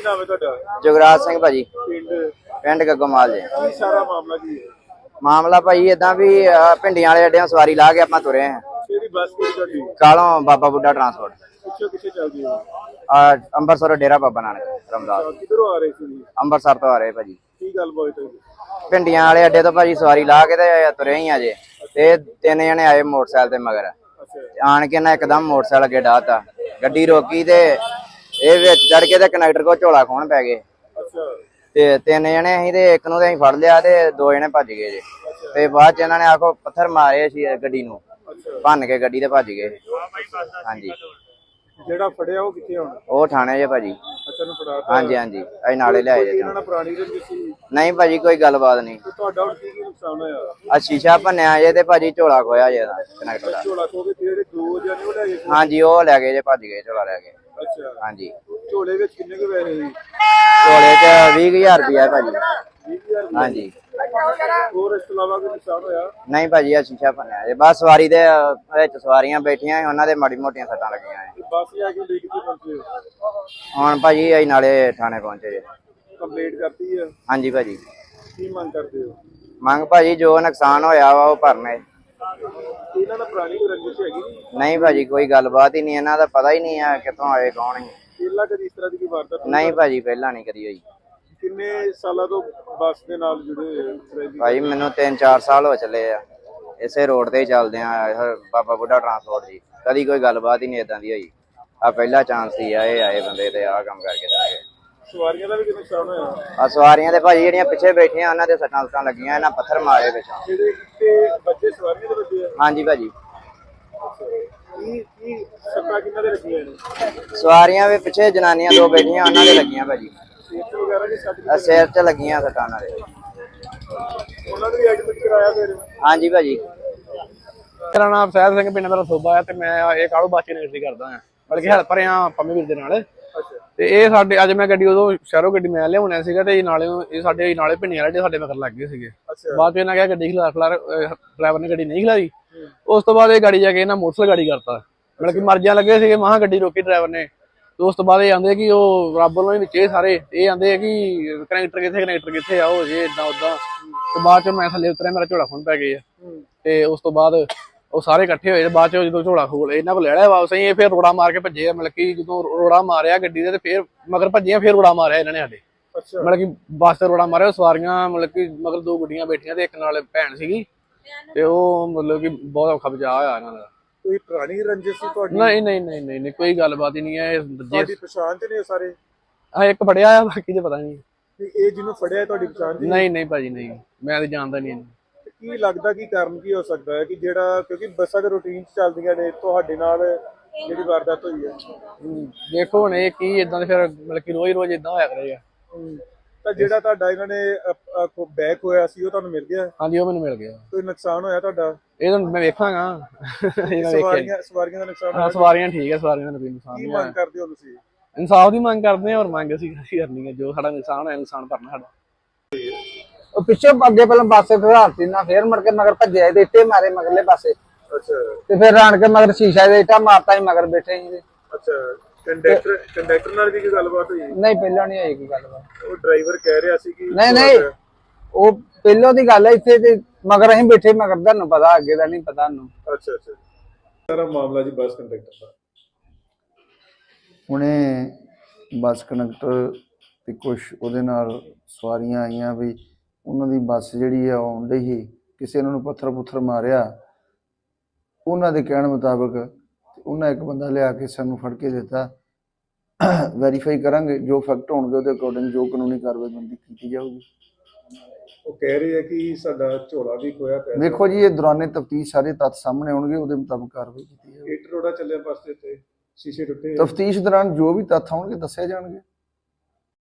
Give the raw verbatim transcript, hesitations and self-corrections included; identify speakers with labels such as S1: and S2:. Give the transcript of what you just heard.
S1: ਕੀ ਨਾਮ ਹੈ ਤੁਹਾਡਾ?
S2: ਜੁਗਰਾਜ ਸਿੰਘ ਭਾਜੀ,
S1: ਪਿੰਡ
S2: ਪਿੰਡ ਗੱਗੋਮਾਲ ਜੀ।
S1: ਕੀ ਸਾਰਾ ਮਾਮਲਾ ਕੀ ਹੈ?
S2: ਮਾਮਲਾ ਭਾਜੀ ਇਦਾਂ ਵੀ ਭਿੰਡੀਆਂ ਵਾਲੇ ਅੱਡਿਆਂ ਸਵਾਰੀ ਲਾ ਕੇ ਆਪਾਂ ਤੁਰੇ ਆ।
S1: ਕਿਹੜੀ ਬੱਸ ਕਿਹੜੀ ਤੁਹਾਡੀ?
S2: ਕਾਲੋਂ ਬਾਬਾ ਬੁੱਢਾ ਟਰਾਂਸਪੋਰਟ।
S1: ਪਿੱਛੋਂ ਕਿੱਥੇ ਚੱਲਦੀ ਹੈ?
S2: ਆ ਅੰਮ੍ਰਿਤਸਰ ਡੇਰਾ ਬਾਬਾ ਨਾਨਕ ਰਮਦਾਸ।
S1: ਕਿੱਧਰੋਂ ਆ ਰਹੇ ਸੀ?
S2: ਅੰਮ੍ਰਿਤਸਰ ਤੋਂ ਆ ਰਹੇ ਭਾਜੀ।
S1: ਕੀ ਗੱਲ ਬਾਤ ਹੈ?
S2: ਭਿੰਡੀਆਂ ਵਾਲੇ ਅੱਡੇ ਤੋਂ ਭਾਜੀ ਸਵਾਰੀ ਲਾ ਕੇ ਤੇ ਤੁਰੇ ਹੀ ਆ ਜੇ, ਤੇ ਤਿੰਨ ਜਣੇ ਆਏ ਮੋਟਰਸਾਈਕਲ ਤੇ ਮਗਰ। ਆਣ ਕੇ ਨਾ ਇੱਕਦਮ ਮੋਟਰਸਾਈਕਲ ਅੱਗੇ ਡਾਹਤਾ, ਗੱਡੀ ਰੋਕੀ ਤੇ ਇਹ ਵਿੱਚ ਚੜ ਕੇ ਤੇ ਕਨੈਕਟਰ ਕੋ ਝੋਲਾ ਖੋਣ ਪੈ ਗਏ। ਤੇ ਤਿੰਨ ਜਣੇ ਅਸੀਂ ਤੇ ਇੱਕ ਨੂੰ ਤੇ ਅਸੀਂ ਫੜ ਲਿਆ ਤੇ ਦੋ ਜਣੇ ਭੱਜ ਗਏ ਜੇ। ਤੇ ਬਾਅਦ ਚ ਇਹਨਾਂ ਨੇ ਆਖੋ ਪੱਥਰ ਮਾਰੇ ਸੀ ਗੱਡੀ ਨੂੰ, ਭੰਨ ਕੇ ਗੱਡੀ ਤੇ ਭੱਜ ਗਏ। ਹਾਂਜੀ,
S1: ਜਿਹੜਾ ਫੜਿਆ ਉਹ ਕਿੱਥੇ ਹੁਣ?
S2: ਉਹ ਥਾਣੇ ਜੇ ਭਾਜੀ।
S1: ਅੱਛਾ, ਨੂੰ ਫੜਾਤਾ?
S2: ਹਾਂਜੀ ਹਾਂਜੀ, ਅਸੀਂ ਨਾਲੇ ਲਿਆਏ ਜੇ।
S1: ਇਹਨਾਂ ਨਾਲ ਪੁਰਾਣੀ ਰੰਜਿਸ਼ ਸੀ?
S2: ਨਹੀਂ ਭਾਜੀ, ਕੋਈ ਗੱਲਬਾਤ ਨਹੀਂ।
S1: ਤੁਹਾਡਾ ਹੁਣ ਕੀ ਕੀ ਨੁਕਸਾਨ ਹੋਇਆ?
S2: ਆ ਸ਼ੀਸ਼ਾ ਭੰਨਿਆ ਜੇ ਤੇ ਭਾਜੀ ਝੋਲਾ ਖੋਇਆ ਜੇ ਕਨੈਕਟਰ ਦਾ।
S1: ਝੋਲਾ ਖੋ ਕੇ ਜਿਹੜੇ ਦੋ ਜਣੇ ਉਹ ਲੈ ਗਏ?
S2: ਹਾਂਜੀ, ਉਹ ਲੈ ਗਏ ਜੇ, ਭੱਜ ਗਏ ਝੋਲਾ ਲੈ ਕੇ।
S1: ਅੱਛਾ,
S2: ਹਾਂਜੀ।
S1: ਝੋਲੇ ਵਿੱਚ ਕਿੰਨੇ ਕੁ ਪੈਸੇ ਸੀ?
S2: ਝੋਲੇ ਚ ਵੀਹ ਹਜ਼ਾਰ ਰੁਪਇਆ ਭਾਜੀ।
S1: ਵੀਹ ਹਜ਼ਾਰ? ਹਾਂਜੀ। ਹੋਰ ਇਸ ਤੋਂ ਇਲਾਵਾ ਕੋਈ ਨੁਕਸਾਨ ਹੋਇਆ?
S2: ਨਹੀਂ ਭਾਜੀ, ਆ ਸ਼ੀਸ਼ਾ ਭੰਨਿਆ ਜੇ। ਬਸ ਸਵਾਰੀ ਦੇ ਵਿੱਚ ਸਵਾਰੀਆਂ ਬੈਠੀਆਂ, ਉਹਨਾਂ ਦੇ ਮਾੜੀ ਮੋਟੀਆਂ ਸੱਟਾਂ ਲੱਗੀਆਂ।
S1: ਬੱਸ ਜਾ ਕੇ ਲੈ ਕੇ ਪਹੁੰਚੇ?
S2: ਹੁਣ ਭਾਜੀ ਅਸੀਂ ਨਾਲੇ ਥਾਣੇ ਪਹੁੰਚੇ ਜੇ।
S1: ਕੰਪਲੀਟ ਕਰਤੀ ਹੈ?
S2: ਹਾਂਜੀ ਭਾਜੀ।
S1: ਕੀ ਮੰਗ ਕਰਦੇ ਹੋ?
S2: ਮੰਗ ਭਾਜੀ ਜੋ ਨੁਕਸਾਨ ਹੋਇਆ ਵਾ ਉਹ ਭਰਨੇ।
S1: ਇਹਨਾਂ ਦਾ ਪੁਰਾਣੀ ਕੋਈ ਰੰਜਿਸ਼ ਹੈਗੀ?
S2: ਨਹੀਂ ਭਾਜੀ, ਕੋਈ ਗੱਲਬਾਤ ਹੀ ਨਹੀਂ। ਇਹਨਾਂ ਦਾ ਪਤਾ ਹੀ ਨਹੀਂ ਆ ਕਿੱਥੋਂ ਆਏ, ਕੌਣ ਹੈ।
S1: ਪਹਿਲਾਂ ਕਦੀ ਇਸ ਤਰ੍ਹਾਂ ਦੀ ਕੋਈ ਵਾਰਦਾਤ?
S2: ਨਹੀਂ ਭਾਜੀ, ਪਹਿਲਾਂ ਨਹੀਂ ਕਦੀ ਹੋਈ।
S1: ਕਿੰਨੇ ਸਾਲਾਂ ਤੋਂ ਬੱਸ ਦੇ ਨਾਲ ਜੁੜੇ?
S2: ਭਾਜੀ ਮੈਨੂੰ ਤਿੰਨ ਚਾਰ ਸਾਲ ਹੋ ਚੱਲੇ ਆ, ਇਸੇ ਰੋਡ ਤੇ ਹੀ ਚੱਲਦੇ ਆ, ਬਾਬਾ ਬੁੱਢਾ ਟਰਾਂਸਪੋਰਟ ਜੀ। ਕਦੀ ਕੋਈ ਗੱਲਬਾਤ ਹੀ ਨਹੀਂ ਏਦਾਂ ਦੀ ਹੋਈ। ਆ ਪਹਿਲਾ ਚਾਂਸ ਸੀ ਆ ਇਹ ਆਏ ਬੰਦੇ ਤੇ ਆਹ ਕੰਮ ਕਰਕੇ ਚਲੇ ਗਏ।
S1: ਸਵਾਰੀਆਂ ਦਾ ਵੀ ਕਿੰਨਾ ਨੁਕਸਾਨ ਹੋਇਆ?
S2: ਆ ਸਵਾਰੀਆਂ ਦੇ ਭਾਜੀ ਜਿਹੜੀਆਂ ਪਿੱਛੇ ਬੈਠੀਆਂ ਉਹਨਾਂ ਦੇ ਸੱਟਾਂ ਸੁੱਟਾਂ ਲੱਗੀਆਂ, ਇਹਨਾਂ ਪੱਥਰ ਮਾਰੇ ਪਿੱਛੋਂ।
S1: ਜਿਹੜੇ ਤੇ ਬੱਚੇ ਸਵਾਰੀਆਂ ਦੇ ਬੱਚੇ ਆ?
S2: ਹਾਂਜੀ ਭਾਜੀ।
S1: ਕੀ ਕੀ ਸੱਟਾਂ ਕਿੰਨਾਂ ਦੇ ਲੱਗੀਆਂ ਨੇ?
S2: ਸਵਾਰੀਆਂ ਵੀ ਪਿੱਛੇ ਜਨਾਨੀਆਂ ਦੋ ਬੈਠੀਆਂ, ਉਹਨਾਂ ਦੇ ਲੱਗੀਆਂ ਭਾਜੀ।
S1: ਸੀਟ ਵਗੈਰਾ ਦੀ ਸੱਟ?
S2: ਆ ਸਿਰ 'ਚ ਲੱਗੀਆਂ ਸੱਟਾਂ ਉਹਨਾਂ ਦੇ।
S1: ਉਹਨਾਂ ਨੂੰ ਵੀ ਐਡਮਿਟ ਕਰਾਇਆ ਫਿਰ?
S2: ਹਾਂਜੀ ਭਾਜੀ।
S3: ਮੇਰਾ ਨਾਮ ਸਹਿਜ ਸਿੰਘ, ਪਿੰਡ ਮੇਰਾ ਸੋਭਾ ਹੈ ਤੇ ਮੈਂ ਇਹ ਕਾਲੂ ਬੱਸ ਚ ਨੌਕਰੀ ਕਰਦਾ ਹਾਂ, ਬਲਕਿ ਹੈਲਪਰ ਆ ਪੰਮੇ ਵੀਰ ਦੇ ਨਾਲ। ਤੇ ਇਹ ਸਾਡੇ ਅੱਜ ਮੈਂ ਗੱਡੀ ਉਦੋਂ ਸ਼ਹਿਰੋਂ ਗੱਡੀ ਮੈਂ ਲਿਆਉਣਾ ਸੀਗਾ ਤੇ ਨਾਲੇ ਇਹ ਸਾਡੇ ਨਾਲੇ ਭਿੰਡੀਆਂ ਵਾਲੇ ਸਾਡੇ ਮਗਰ ਲੱਗ ਗਏ ਸੀਗੇ। ਬਾਅਦ ਚ ਇਹਨਾਂ ਕਿਹਾ ਗੱਡੀ ਖਿਲਾ ਖਿਲਾਰ ਡਰਾਈਵਰ ਨੇ ਗੱਡੀ ਨਹੀਂ ਖਿਲਾਈ। ਉਸ ਤੋਂ ਬਾਅਦ ਇਹ ਗਾੜੀ ਜਾ ਕੇ ਇਹਨਾਂ ਮੋਟਰਸਾਈਕਲ ਗਾੜੀ ਕਰਤਾ, ਮਤਲਬ ਕਿ ਮਰਜ਼ੀਆਂ ਲੱਗੇ ਸੀਗੇ। ਮਹਾਂ ਗੱਡੀ ਰੋਕੀ ਡਰਾਈਵਰ ਨੇ। ਤੇ ਉਸ ਤੋਂ ਬਾਅਦ ਇਹ ਆਂਦੇ ਕਿ ਉਹ ਰੱਬ ਵੱਲੋਂ ਵਿੱਚ ਇਹ ਸਾਰੇ ਇਹ ਆਂਦੇ ਕਿ ਕਨੈਕਟਰ ਕਿੱਥੇ ਕਨੈਕਟਰ ਕਿੱਥੇ ਆ, ਉਹ ਜੇ ਏਦਾਂ ਓਦਾਂ। ਤੇ ਬਾਅਦ ਚ ਮੈਂ ਥੱਲੇ ਉਤਰਿਆ, ਮੇਰਾ ਝੋਲਾ ਖੁੰਨ ਪੈ ਗਏ ਆ। ਤੇ ਉਸ ਤੋਂ ਬਾਅਦ ਉਹ ਸਾਰੇ ਇਕੱਠੇ ਹੋਏ। ਬਾਅਦ ਚ ਜਦੋਂ ਝੋਲਾ ਖੋਲ ਇਹਨਾਂ ਕੋਲ ਲੈ ਲਿਆ ਵਾਪਸ, ਇਹ ਫਿਰ ਰੋੜਾ ਮਾਰ ਕੇ ਭੱਜੇ ਆ। ਮਤਲਬ ਕਿ ਜਦੋਂ ਰੋੜਾ ਮਾਰਿਆ ਗੱਡੀ ਦੇ ਤੇ ਫਿਰ ਮਗਰ ਭੱਜੀਆਂ, ਫਿਰ ਰੋੜਾ ਮਾਰਿਆ ਇਹਨਾਂ ਨੇ ਸਾਡੇ। ਮਤਲਬ ਕਿ ਬੱਸ ਤੇ ਰੋੜਾ ਮਾਰਿਆ। ਸਵਾਰੀਆਂ ਮਤਲਬ ਕਿ ਮਗਰ ਦੋ ਗੁੱਡੀਆਂ ਬੈਠੀਆਂ ਤੇ ਇੱਕ ਨਾਲ ਭੈਣ ਸੀਗੀ। ਤੇ ਉਹ ਮਤਲਬ ਕਿ ਬਹੁਤ ਔਖਾ ਬਚਾਅ ਹੋਇਆ ਇਹਨਾਂ ਦਾ।
S1: ਕੋਈ ਪੁਰਾਣੀ ਰੰਜਿਸ਼ ਸੀ ਤੁਹਾਡੀ?
S3: ਨਹੀਂ ਨਹੀਂ ਨਹੀਂ ਨਹੀਂ ਨਹੀਂ, ਕੋਈ ਗੱਲਬਾਤ ਹੀ ਨਹੀਂ ਹੈ।
S1: ਤੁਹਾਡੀ ਪਛਾਣ ਤੇ ਨੇ ਸਾਰੇ?
S3: ਹਾਂ, ਇੱਕ ਫੜਿਆ ਆ, ਬਾਕੀ ਤੇ ਪਤਾ ਨਹੀਂ।
S1: ਇਹ ਜਿਹਨੂੰ ਫੜਿਆ ਤੁਹਾਡੀ ਪਛਾਣ ਦੀ?
S3: ਨਹੀਂ ਨਹੀਂ ਭਾਜੀ, ਨਹੀਂ, ਮੈਂ ਤਾਂ ਜਾਣਦਾ ਨਹੀਂ ਇਹਨੂੰ।
S1: ਕੀ ਲੱਗਦਾ ਕੀ ਕਾਰਨ ਕੀ ਹੋ ਸਕਦਾ ਹੈ ਕਿ ਜਿਹੜਾ, ਕਿਉਂਕਿ ਬੱਸਾਂ ਦੇ ਰੂਟੀਨ ਚ ਚੱਲਦੀਆਂ ਨੇ, ਤੁਹਾਡੇ ਨਾਲ ਜਿਹੜੀ ਵਾਰਦਾਤ ਹੋਈ ਹੈ?
S3: ਦੇਖੋ ਹੁਣ ਇਹ ਕੀ ਇਦਾਂ ਦੇ ਫਿਰ ਮਤਲਬ ਕਿ ਰੋਜ਼ ਰੋਜ਼ ਇਦਾਂ ਹੋਇਆ ਕਰੇਗਾ।
S1: ਤਾਂ ਜਿਹੜਾ ਤੁਹਾਡਾ ਇਹਨਾਂ ਨੇ ਬੈਕ ਹੋਇਆ ਸੀ ਉਹ ਤੁਹਾਨੂੰ ਮਿਲ ਗਿਆ?
S3: ਹਾਂਜੀ, ਉਹ ਮੈਨੂੰ ਮਿਲ ਗਿਆ।
S1: ਕੋਈ ਨੁਕਸਾਨ ਹੋਇਆ ਤੁਹਾਡਾ?
S3: ਇਹ ਤਾਂ ਮੈਂ ਵੇਖਾਂਗਾ।
S1: ਸਵਾਰੀਆਂ ਸਵਾਰੀਆਂ ਦਾ ਨੁਕਸਾਨ?
S3: ਹਾਂ, ਸਵਾਰੀਆਂ ਠੀਕ ਹੈ, ਸਵਾਰੀਆਂ ਦਾ ਕੋਈ ਨੁਕਸਾਨ
S1: ਨਹੀਂ।
S3: ਨਹੀਂ।
S1: ਕੀ ਮੰਗ ਕਰਦੇ ਹੋ ਤੁਸੀਂ?
S3: ਇਨਸਾਫ ਦੀ ਮੰਗ ਕਰਦੇ ਹਾਂ, ਔਰ ਮੰਗ ਅਸੀਂ ਕਰਨੀ ਹੈ। ਜੋ ਸਾਡਾ ਨੁਕਸਾਨ ਹੋਇਆ, ਨੁਕਸਾਨ ਭਰਨਾ ਸਾਡਾ।
S4: ਉਹ ਪਿੱਛੇ ਅੱਗੇ ਪਹਿਲਾਂ ਪਾਸੇ ਫਿਰਾਤੀ ਨਾ, ਫੇਰ ਮੁੜ ਕੇ ਮਗਰ ਭੱਜਿਆ ਤੇ ਇੱਟੇ ਮਾਰੇ ਮਗਰਲੇ ਪਾਸੇ।
S1: ਅੱਛਾ। ਤੇ
S4: ਫਿਰ ਆਣ ਕੇ ਮਗਰ ਸ਼ੀਸ਼ਾ ਦੇ ਇੱਟਾ ਮਾਰਤਾ ਹੀ ਮਗਰ ਬੈਠੇ ਸੀ।
S1: ਅੱਛਾ, ਕੰਡਕਟਰ ਕੰਡਕਟਰ ਨਾਲ ਵੀ ਕੀ ਗੱਲਬਾਤ ਹੋਈ?
S4: ਨਹੀਂ, ਪਹਿਲਾਂ ਨਹੀਂ ਹੋਈ ਕੋਈ ਗੱਲਬਾਤ।
S1: ਉਹ ਡਰਾਈਵਰ ਕਹਿ ਰਿਹਾ ਸੀ ਕਿ
S4: ਨਹੀਂ ਨਹੀਂ, ਉਹ ਪਹਿਲੋਂ ਦੀ ਗੱਲ ਹੈ। ਇੱਥੇ ਤੇ ਮਗਰ ਅਸੀਂ ਬੈਠੇ, ਮਗਰ ਤੁਹਾਨੂੰ ਪਤਾ, ਅੱਗੇ ਦਾ ਨਹੀਂ ਪਤਾ ਨੂੰ।
S1: ਅੱਛਾ ਅੱਛਾ। ਸਾਰਾ ਮਾਮਲਾ ਜੀ ਬੱਸ ਕੰਡਕਟਰ ਦਾ।
S5: ਹੁਣੇ ਬੱਸ ਕੰਡਕਟਰ ਤੇ ਕੁਝ ਉਹਦੇ ਨਾਲ ਸਵਾਰੀਆਂ ਆਈਆਂ ਵੀ ਉਹਨਾਂ ਦੀ ਬੱਸ ਜਿਹੜੀ ਆ ਆਉਣ ਡਈ ਸੀ, ਕਿਸੇ ਉਹਨਾਂ ਨੂੰ ਪੱਥਰ ਪੁੱਥਰ ਮਾਰਿਆ। ਉਹਨਾਂ ਦੇ ਕਹਿਣ ਮੁਤਾਬਕ ਉਹਨਾਂ ਇੱਕ ਬੰਦਾ ਲਿਆ ਕੇ ਸਾਨੂੰ ਫੜ ਕੇ ਦਿੱਤਾ। ਵੈਰੀਫਾਈ ਕਰਾਂਗੇ, ਜੋ ਫੈਕਟ ਹੋਣਗੇ ਉਹਦੇ ਅਕੋਰਡਿੰਗ ਜੋ ਕਾਨੂੰਨੀ ਕਾਰਵਾਈ ਬੰਦੀ ਕੀਤੀ ਜਾਊਗੀ।
S1: ਉਹ ਕਹਿ ਰਹੇ ਆ ਕਿ ਸਾਡਾ ਝੋਲਾ ਵੀ ਖੋਇਆ ਪਿਆ।
S5: ਦੇਖੋ ਜੀ, ਇਹ ਦੌਰਾਨੇ ਤਫਤੀਸ਼ ਸਾਰੇ ਤੱਥ ਸਾਹਮਣੇ ਆਉਣਗੇ, ਉਹਦੇ ਮੁਤਾਬਕ ਕਾਰਵਾਈ ਕੀਤੀ ਜਾਊਗੀ।
S1: ਇੱਟ ਰੋੜਾ ਚੱਲਿਆ ਬੱਸ ਦੇ ਉੱਤੇ, ਸ਼ੀਸ਼ੇ ਟੁੱਟੇ।
S5: ਤਫਤੀਸ਼ ਦੌਰਾਨ ਜੋ ਵੀ ਤੱਥ ਆਉਣਗੇ ਦੱਸੇ ਜਾਣਗੇ।